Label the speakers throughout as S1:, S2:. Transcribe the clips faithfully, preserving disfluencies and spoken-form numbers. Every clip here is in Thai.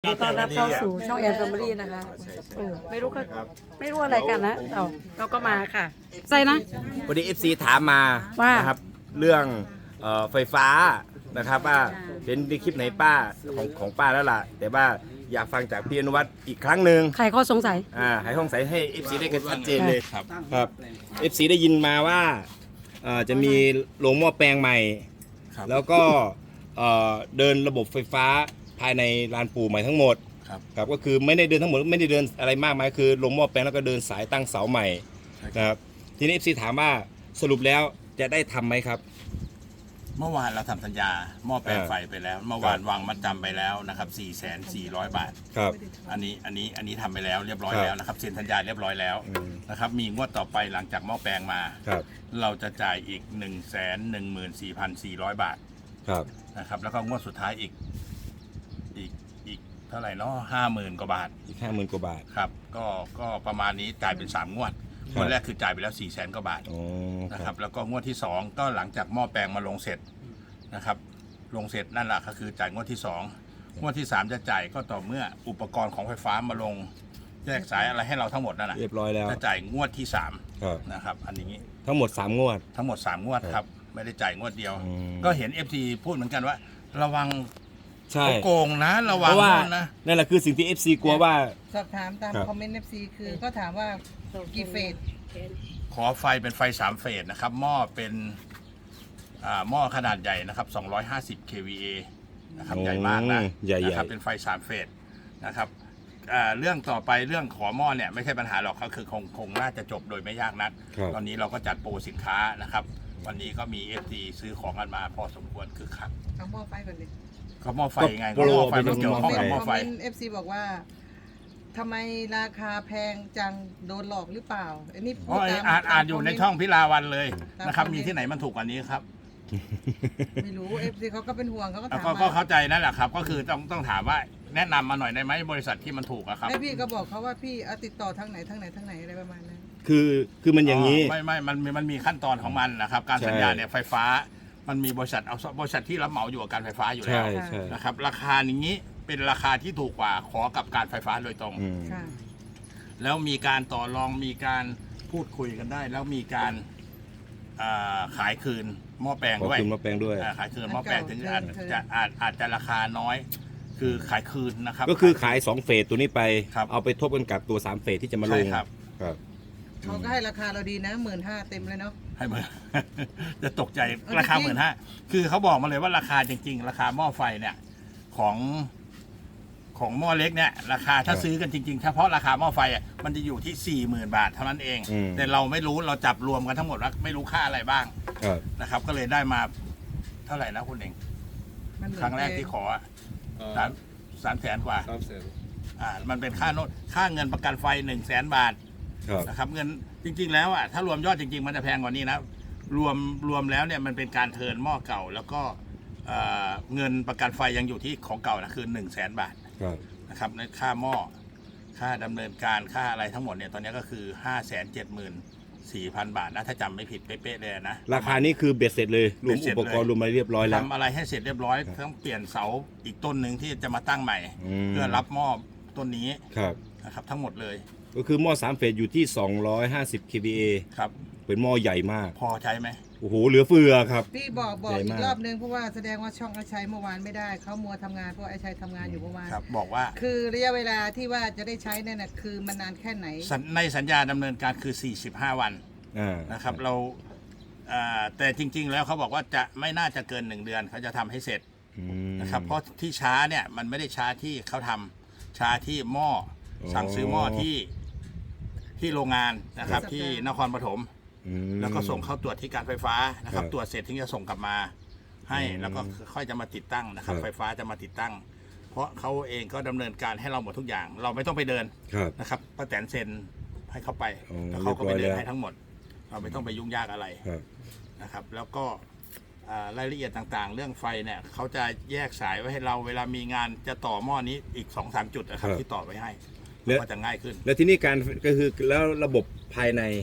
S1: ดีต้อนรับเข้าสู่ช่องแอนแฟมิลี่นะคะเออไม่รู้ก็ไม่รู้อะไรกันนะเราเราก็มาค่ะใส่นะ
S2: วันนี้ เอฟ ซี ถามมา
S1: ว่า
S2: นะครับเรื่องเอ่อไฟฟ้านะครับว่าเห็นในคลิปไหนป้าของของป้าแล้วล่ะ แต่ว่าอยากฟังจากพี่อนุวัฒน์อีกครั้งหนึ่ง
S1: ใครข้อสงสัย
S2: อ่าให้ห้องใสให้ เอฟ ซี ได้กันชัดเจนเลย
S3: ครับ
S2: ครับ เอฟ ซี ได้ยินมาว่าเอ่อจะมีโรงหม้อแปลงใหม่
S3: ครับ
S2: แล้วก็เอ่อเดินระบบไฟฟ้าภายในลานปู่ใหม่ทั้งหมด
S3: ครับ
S2: ครับก็คือไม่ได้เดินทั้งหมดไม่ได้เดินอะไรมากมายคือลงหม้อแปลงแล้วก็เดินสายตั้งเสาใหม่นะครับทีนี้ เอฟ ซี ถามว่าสรุปแล้วจะได้ทำไหมครับ
S3: เมื่อวานเราทำสัญญาหม้อแปลง
S2: เออ
S3: ไฟไปแล้ว เมื่อวานวางมัดจำไปแล้วนะครับ สี่แสนสี่ร้อย บาท
S2: ครับ
S3: อันนี้อันนี้อันนี้ทำไปแล้วเรียบร้อย
S2: ครับ
S3: แล้วนะครับเซ็นสัญญาเรียบร้อยแล้ว
S2: อืม
S3: นะครับมีงวดต่อไปหลังจากหม้อแปลงมา
S2: ครับ
S3: เราจะจ่ายอีก หนึ่งแสนหนึ่งหมื่นสี่พันสี่ร้อย บาท
S2: ครับ
S3: นะครับแล้วก็งวดสุดท้ายอีกอีกอีกเท่าไหร่เนาะห้าหมื่นกว่าบาท
S2: อีกห้าหมื่นกว่าบาท
S3: ครับก็ก็ประมาณนี้จ่ายเป็นสามงวด
S2: ครับ
S3: งวดแรกคือจ่ายไปแล้วสี่แสนกว่าบาท
S2: อ๋อ
S3: นะครับแล้วก็งวดที่สองก็หลังจากหม้อแปลงมาลงเสร็จนะครับลงเสร็จนั่นแหละก็คือจ่ายงวดที่สองงวดที่สามจะจ่ายก็ต่อเมื่ออุปกรณ์ของไฟฟ้ามาลงแยกสายอะไรให้เราทั้งหมดนั่นแหละ
S2: เรียบร้อยแล้ว
S3: จะจ่ายงวดที่สาม
S2: ครับ
S3: นะครับอันนี้
S2: ทั้งหมดสามงวด
S3: ทั้งหมดสามงวดครับไม่ได้จ่ายงวดเดียว
S2: อืม
S3: ก็เห็น เอฟ ซี พูดเหมือนกันว่า ระวัง
S2: ใช่
S3: เขาโกงนะระ
S2: เพ
S3: วัง
S2: ราะว่า
S3: นะ
S2: นั่นแหละคือสิ่งที่ เอฟ ซี กลัวว่า
S4: สอบถามตาม
S2: ครับ
S4: คอมเมนต์ เอฟ ซี คือก็ถามว่ากี่เฟส
S3: ขอไฟเป็นไฟสามเฟสนะครับหม้อเป็นอ่าหม้อขนาดใหญ่นะครับสองร้อยห้าสิบ เค วี เอ นะครับใหญ่มากนะ
S2: ใหญ่ๆ
S3: นะครับเป็นไฟสามเฟสนะครับอ่าเรื่องต่อไปเรื่องขอหม้อเนี่ยไม่ใช่ปัญหาหรอกก็คือคงคงน่าจะจบโดยไม่ยากนัก
S2: ครับ
S3: ตอนนี้เราก็จัดโปรสินค้านะครับวันนี้ก็มี เอฟ ซี ซื้อของกันมาพอสมควรคือคัก
S4: เอาหม้อไฟก่อนดิ
S3: ก็หม้อไฟไง
S2: ก็โปร
S3: หม้อไฟ
S2: เป็
S3: มัน
S2: น
S3: เกี่ยวข้องกับหม้อ
S4: คอม
S3: ไฟ
S4: เมนต์ เอฟ ซี บอกว่าทำไมราคาแพงจังโดนหลอกหรือเปล่าอันนี้
S3: อ๋อ
S4: พูดตม
S3: อ่านอ่านอยู่ในช่องพิลาวันเลย
S4: ตาม
S3: นะครับ
S4: คอมเมนต์
S3: มีที่ไหนมันถูกกว่านี้ครับ
S4: ไม่รู้ เอฟ ซี เขาก็เป็นห่วงเขาก็
S3: แล้ว
S4: ถาม
S3: ก็ก็
S4: มา
S3: เข้าใจนั่นแหละครับ ก็คือต้องต้องถามว่าแนะนำมาหน่อยได้ไหมบริษัทที่มันถูกอะครับ
S4: แล้วพี่ก็บอกเขาว่าพี่เอาติดต่อทางไหนทางไหนทางไหนอะไรประมาณนั้น
S2: คือคือมันอย่างนี้
S3: ไม่ไม่มันมันมีขั้นตอนของมันนะครับ การ
S2: ใช่
S3: สัญญาเนี่ยไฟฟ้า มันมีบริษัทเอาบริษัทที่รับเหมาอยู่กับการไฟฟ้าอยู่แล้
S2: ใช่
S3: ว
S2: ใช่
S3: นะครับ ราคาอย่างนี้เป็นราคาที่ถูกกว่าขอกับการไฟฟ้าโดยตรง
S2: อืม
S4: ค่ะ
S3: แล้วมีการต่อรองมีการพูดคุยกันได้ แล้วมีการอ่าขายคืนหม้อแปลง
S2: ขอบ
S3: ด้วย
S2: คุณมาแปลงด้วย
S3: อ่าขายคืนหม้อแปลงถึงอาจ
S4: เทิน
S3: จะอาจอาจจะราคาน้อย คือขายคืนนะครับ
S2: ก็คือขายสองเฟสตัวนี้ไป
S3: ครับ
S2: เอาไปทบกันกับตัวสามเฟสที่จะมาล
S3: ใช่
S2: ง
S3: ครับ
S2: ครับ
S4: เขาก็ให้ราคาเราดีนะหมื่นห้าเต็มเลยเนาะ
S3: ให้เหมือน จะตกใจ
S4: เออ
S3: ราคา
S4: จริง
S3: หมื่นห้าคือเขาบอกมาเลยว่าราคาจริง ๆ ราคาหม้อไฟเนี่ยของของหม้อเล็กเนี่ยราคาถ้า
S2: ครับ
S3: ซื้อกันจริงๆเฉพาะราคาหม้อไฟอ่ะมันจะอยู่ที่สี่หมื่นบาทเท่านั้นเอง
S2: อืม
S3: แต่เราไม่รู้เราจับรวมกันทั้งหมดว่าไม่รู้ค่าอะไรบ้าง
S2: ครับ
S3: นะครับ ก็เลยได้มาเท่าไหร่นะคุณเอง
S4: มันเหมือน
S3: ครั้งแรกที่ขออะสามสามแสนกว่า
S5: สามแสน
S3: อ่ามันเป็นค่าโน้ตค่าเงินประกันไฟหนึ่งแสนบาท
S2: ครับ
S3: นะครับเงินจริง ๆ แล้วอ่ะถ้ารวมยอดจริง ๆ มันจะแพงกว่านี้นะรวมรวมแล้วเนี่ยมันเป็นการเทิร์นหม้อเก่า แล้วก็เอ่อเงินประกันไฟยังอยู่ที่ของเก่านะคือหนึ่งแสนบาท
S2: ครับ
S3: นะครับในค่าหม้อค่าดำเนินการค่าอะไรทั้งหมดเนี่ยตอนนี้ก็คือห้าแสนเจ็ดหมื่นสี่พันบาทนะถ้าจำไม่ผิดเป๊ะๆเลยนะ
S2: ราคานี้คือเบ็ดเสร็จเลยรวม
S3: เบ็ดเสร็
S2: อุ
S3: จ
S2: ปกรณ์
S3: เลย
S2: รวมอะไรเรียบร้อยแล้ว
S3: ทำอะไรให้เสร็จเรียบร้อยต้องเปลี่ยนเสาอีกต้นหนึ่งที่จะมาตั้งใหม่
S2: อืม
S3: เพื่อรับหม้อต้นนี้
S2: ครับ
S3: นะครับทั้งหมดเลย
S2: ก็คือหม้อสามเฟสอยู่ที่สองร้อยห้าสิบ เค วี เอ
S3: ครับ
S2: เป็นหม้อใหญ่มาก
S3: พอใช้ไหม
S2: โอ้โหเหลือเฟือครับ
S4: พี่บอกบอก
S2: ใหญ่
S4: อี
S2: มาก
S4: กรอบนึงเพราะว่าแสดงว่าช่องอาชัยเมื่อวานไม่ได้เขามัวทำงานเพราะอาชัยทำงานอยู่เมื่อวาน
S3: ครับบอกว่า
S4: คือระยะเวลาที่ว่าจะได้ใช้เนี่ยนะคือมันนานแค่ไหน
S3: สัญในสัญญาดำเนินการคือ สี่สิบห้า วัน
S2: อ่า
S3: นะครับเราอ่าแต่จริง ๆ แล้วเขาบอกว่าจะไม่น่าจะเกินหนึ่งเดือนเขาจะทำให้เสร็จ
S2: อืม
S3: นะครับเพราะที่ช้าเนี่ยมันไม่ได้ช้าที่เขาทำช้าที่หม้อ
S2: อ๋อ
S3: สั่งซื้อหม้อที่ที่โรงงานนะครับ
S4: ครับ
S3: ที่นครปฐม
S2: อืม
S3: แล้วก็ส่งเข้าตรวจที่การไฟฟ้านะครับ
S2: ครับ
S3: ตรวจเสร็จถึงจะส่งกลับมาให้
S2: อืม
S3: แล้วก็ค่อยจะมาติดตั้งนะครับ
S2: ครับ
S3: ไฟฟ้าจะมาติดตั้ง เพราะเขาเองก็ดำเนินการให้เราหมดทุกอย่าง เราไม่ต้องไปเดิน
S2: ครับ
S3: นะครับป้าแตนเซ็นให้เขาไป
S2: อ๋อ
S3: แล้วเขาก็ไป
S2: เรี
S3: เดิ
S2: ยบร้อยแล้ว
S3: นให้ทั้งหมด เราไม่ต้องไปยุ่งยากอะไร
S2: ครับ
S3: นะครับ แล้วก็อ่ารายละเอียดต่างๆ เรื่องไฟเนี่ยเขาจะแยกสายไว้ให้เราเวลามีงานจะต่อหม้อนี้อีกสองสามจุดนะครับ
S2: ครับ
S3: ที่ต่อไว้ให้
S2: แล้ว
S3: ก็จะง่ายขึ้น
S2: แล้วที่นี่การก็คือแล้วระบบภายใน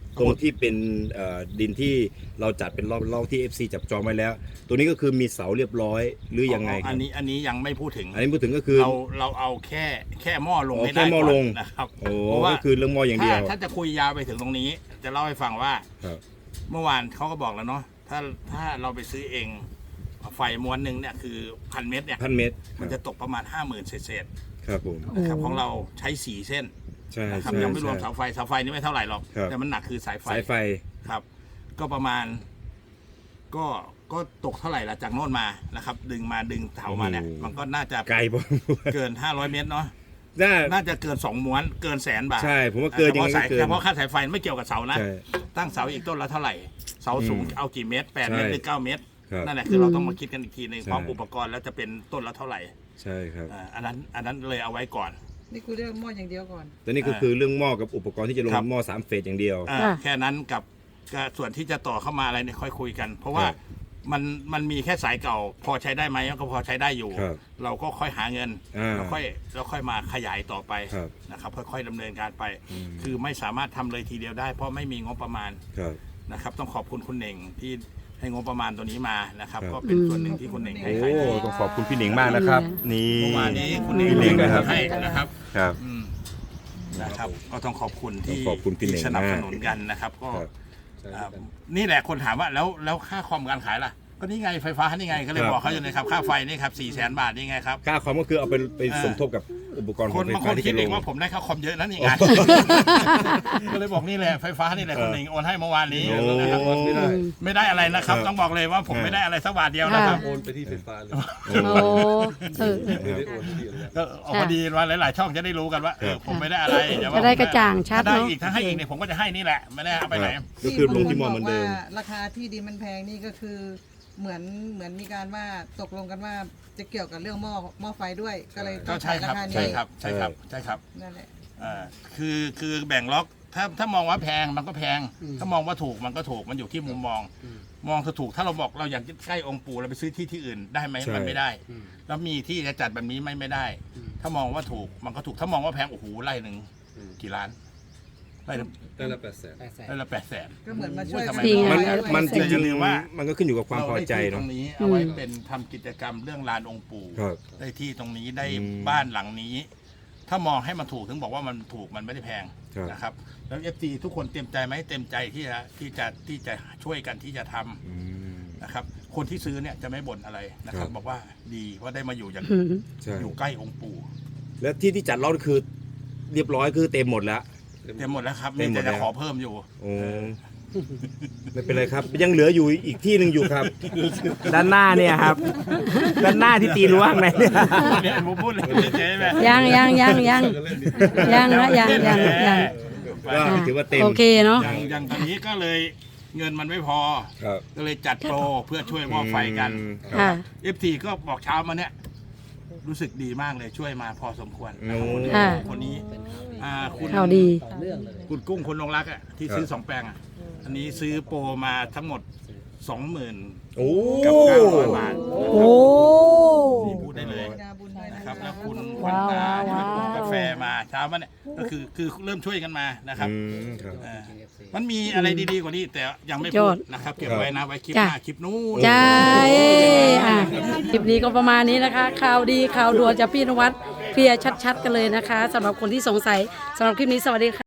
S2: ตรงที่เป็นเอ่อดินที่เราจัดเป็นรอบรอบที่ เอฟ ซี จับจองไว้แล้ว ตัวนี้ก็คือมีเสาเรียบร้อยหรือยังไงค
S3: อั
S2: รับ
S3: นนี้อันนี้ยังไม่พูดถึง
S2: อันนี้พูดถึงก็คือ
S3: เราเราเอาแค่แค่หม้อลง
S2: อ๋อ
S3: ให้ได้
S2: แค่หม้อ
S3: ก่
S2: ล
S3: อน
S2: ง
S3: นะครับ
S2: โอ้
S3: เพราะว่า
S2: ก็คือเรื่องหม้ออย่างเดียว
S3: ถ้าถ้าจะคุยยาวไปถึงตรงนี้ จะเล่าให้ฟังว่า
S2: ครับ
S3: เมื่อวานเขาก็บอกแล้วเนาะถ้าถ้าเราไปซื้อเองไฟม้วนหนึ่งเนี่ยคือพันเมตรเนี่ย
S2: พันเมตรค
S3: มัน
S2: รับ
S3: จะตกประมาณห้าหมื่นเศษ
S2: ครับผม
S3: ๆนะครับของเราใช้สี่เส้น
S2: ใช่
S3: นะครับ
S2: ใช่
S3: ยังไม่รวม
S2: ใช่
S3: เสาไฟเสาไฟนี่ไม่เท่าไหร่หรอก
S2: ครับ
S3: แต่มันหนักคือสายไฟ
S2: สายไฟ
S3: ครับ ก็ประมาณ ก็ก็ตกเท่าไหร่ละจากโน่นมานะครับ ดึงมาดึงเสามาเนี่ย มันก็น่าจะ
S2: ไกลพอสมควร
S3: เกินห้าร้อยเมตรเนาะ
S2: น่า
S3: น่าจะเกินสองม้วนเกินแสนบาท
S2: ใช่ผมว่าเกินยังไงก็
S3: ฉพาะสาย
S2: เกิน
S3: เฉพาะค่าสายไฟไม่เกี่ยวกับเสานะ
S2: ใช่
S3: ตั้งเสาอีกต้นละเท่าไหร่ เสาสูง
S2: อืม
S3: เอากี่เมตรแปดเมตร
S2: ใช่
S3: หรือเก้าเมตร
S2: ครับ
S3: นั่นแหละคือเราต้องมาคิดกันอีกทีหนึง
S2: ใช่
S3: พร้อมอุปกรณ์แล้วจะเป็นต้นละเท่าไหร่
S2: ใช่ครับ
S3: อ่าอันนั้นอันนั้นเลยเอาไว้ก่อน
S4: นี่กูเรียกหม้ออย่างเดียวก่อน
S2: ตัวนี้ก็คือเรื่องหม้อกับอุปกรณ์ที่จะลง
S3: ครับ
S2: หม้อสามเฟสอย่างเดียว
S3: อ่า
S1: ค่ะ
S3: แค่นั้นกับกับส่วนที่จะต่อเข้ามาอะไรเนี่ยค่อยคุยกัน เพราะว่า
S2: ครับ
S3: มันมันมีแค่สายเก่า พอใช้ได้ไหมก็พอใช้ได้อยู่
S2: ครับ
S3: เราก็ค่อยหาเงิน
S2: อ่า
S3: แล้วค่อยแล้วค่อยมาขยายต่อไป
S2: ครับ
S3: นะครับค่อยๆดำเนินการไป
S2: อืม
S3: คือไม่สามารถทำเลยทีเดียวได้ เพราะไม่มีงบประมาณ
S2: ครับ
S3: นะครับต้องขอบคุณคุณเน่งที่ให้งบประมาณตัวนี้มานะครับ
S2: ครับ
S3: ก็เป็นส่วนหนึ่งที่คุณเน่งให้
S2: โอ้
S3: ให้
S2: ต้องขอบคุณพี่หนิงมากนะครับ นี่
S3: เมื่อวานนี้คุณเน่ง
S2: พี่หนิงนะครับ
S3: ให้นะครับ
S2: ครับ
S3: อืมนะครับ ก็ต้องขอบคุณที่
S2: ต้องขอบคุณพี่เน่ง
S3: ที่สนับ
S2: มาก
S3: สนุนกันนะครับ ก็
S2: ครับ
S3: อ่านี่แหละคนถามว่าแล้วแล้วค่าคอมการขายล่ะ ก็นี่ไงไฟฟ้านี่ไงก็เลย
S2: ครับ
S3: บอกเขาอยู่เลยครับค่าไฟนี่ครับสี่แสนบาทนี่ไงครับ
S2: ค่าคอมก็คือเอาไปไป
S3: เออ
S2: สมทบกับอุปกรณ์ข
S3: ค
S2: อง
S3: น
S2: ไฟ
S3: บางค
S2: ฟ้าน ที่
S3: คิด
S2: จะล
S3: เอง
S2: ง
S3: ว่าผมได้ค่าคอมเยอะนั่นนี่ไงก็เลยบอกนี่แหละไฟฟ้านี่แหละคุณเน่งโอนให้เมื่อวานนี้
S2: โอ้
S3: นะครับ
S5: ไม่ได้
S3: ไม่ได้อะไรนะครับ
S2: ครับ
S3: ต้องบอกเลยว่าผม
S2: ครับ
S3: ไม่ได้อะไรสักบาทเดียวนะครับ
S5: โอนไปที่ไฟฟ้าเลย
S1: โอ้เออ
S5: ไม่ได้โอนที่เดียวเลย
S3: ก็เอาพอดีว่าหลาย ๆ ช่องจะได้รู้กันว่าเออผมไม่ได้อะไรเดี๋ยวว่า
S1: จะได้กระจ่างชัด
S3: ถ้าได้
S1: เนาะ
S3: อีกถ้าให้อีกเนี่ยผมก็จะให้นี่แหละไม่ได้เอาไปไหน
S2: ก็คือลงที่หม้อเหมือนเดิม
S4: ที่บางคบอกว่าราคาที่ดินมันแพงนี่ก็คือเหมือนเหมือนมีการว่าตกลงกันว่าจะเกี่ยวกับเรื่องหม้อหม้อไฟด้วย ก็เลยต้
S3: ก็
S4: อง
S3: ใช่
S4: ขาย
S3: ค
S4: รา
S3: รับ
S4: คา
S3: ใช่
S4: นี้
S3: ครับใช่ครับใช่ครับ
S4: นั่นแหละ
S3: อ่าคือคือแบ่งล็อกถ้าถ้ามองว่าแพงมันก็แพง ถ้ามองว่าถูกมันก็ถูกมันอยู่ที่มุมมอง มองคือถูกถ้าเราบอกเราอยากใกล้องค์ปู่เราไปซื้อที่ที่อื่นได้ไหม
S2: ใช่
S3: มันไม่ได้ แล้วมีที่จะจัดแบบนี้ไม่ไม่ได้ ถ้ามองว่าถูกมันก็ถูกถ้ามองว่าแพงโอ้โหไร่หนึ่งกี่ล้านไร่ละ
S5: ได้ละแปดแสน
S3: ไร่ละแปดแสน
S4: ก็เหมือนมาช่วย
S3: ทำไม
S1: จริง
S2: มัน
S1: อะ
S2: มันจ
S3: แต่อย่า
S2: ริง
S3: ลืมว่า
S2: ๆมันก็ขึ้นอยู่กับความพอใจ
S3: เราได้ที่ต
S2: เนาะ
S3: รงนี้เอาไว้เป็นทำกิจกรรมเรื่องลานองค์ปู่
S2: ครับ
S3: ได้ที่ตรงนี้ได้
S2: อืม
S3: บ้านหลังนี้ ถ้ามองให้มันถูกถึงบอกว่ามันถูกมันไม่ได้แพง
S2: ครับ
S3: นะครับ แล้วเอฟซีทุกคนเต็มใจไหมเต็มใจที่จะที่จะที่จะช่วยกันที่จะทำ
S2: อืม
S3: นะครับ คนที่ซื้อเนี่ยจะไม่บ่นอะไรนะครับ
S2: ครับ
S3: บอกว่าดีว่าได้มาอยู่อย่าง
S1: อืม
S2: ใช่
S3: อยู่ใกล้องค์ปู่
S2: แล้วที่ที่จัดรอบคือเรียบร้อยคือเต็มหมดแล้ว
S3: เต็มหมดแล้วครับ
S2: เต็
S3: มี
S2: มหมด
S3: แต่จะ
S2: แล้ว
S3: ขอเพิ่มอยู่
S2: โอ้ไม่เป็นไรครับ ยังเหลืออยู่อีกที่หนึ่งอยู่ครับ ด้านหน้าเนี่ยครับ ด้านหน้าที่ตีรั้วข้างในเนี่ย
S3: เนี่ยผมพูดเลยเจ๊ไหม
S1: ยังยังยังยังยังนะยังยังยัง
S2: ก็ถือว่าเต็ม
S1: โอเคเนาะ
S3: อย่างอย่างตอนนี้ก็เลยเงินมันไม่พอ
S2: ครับ
S3: ก็เลยจัดโปรเพื่อช่วยหม้อไฟกัน
S2: อืม
S1: ค่ะ
S3: เอฟทีก็บอกเช้ามาเนี่ยรู้สึกดีมากเลยช่วยมาพอสมควร
S2: โอ้
S1: ค่ะ
S3: คนนี้อ่าคุณ
S1: ข่าวดี
S3: คุณกุ้งคนลงรักอ่ะที่ซื้อ
S2: ครับ
S3: สองแปลงอ่ะอันนี้ซื้อโปรมาทั้งหมดสองหมื่น
S2: โอ้
S3: กับเก้าร้อยบาท
S1: โอ้
S3: นี่พูดได้เลย
S4: ดาบุญด้วย
S3: นะ
S4: นะ
S3: ค
S4: ค
S3: รั
S4: รั
S3: บบ แล้วคุณ
S1: ว้าว
S3: วันตาที่เป็น
S1: ว้าว
S3: กาแฟมาเช้ามาเนี่ยก็คือคือเริ่มช่วยกันมานะครับ
S2: อืมครับ
S3: เออมันมีอะไรดีๆกว่านี้แต่ยังไม่
S1: ย
S3: พู
S1: อ
S3: ด
S1: ด
S3: นะครับเก็บไว้นะไว้คลิป
S1: จ้ะ
S3: หน้าคลิปนู้น
S1: จ้าเอ้อ่ะคลิปนี้ก็ประมาณนี้นะคะ ข่าวดีข่าวด่วนจากพี่นวัดเคลียร์ชัดๆกันเลยนะคะสำหรับคนที่สงสัยสำหรับคลิปนี้สวัสดีค่ะ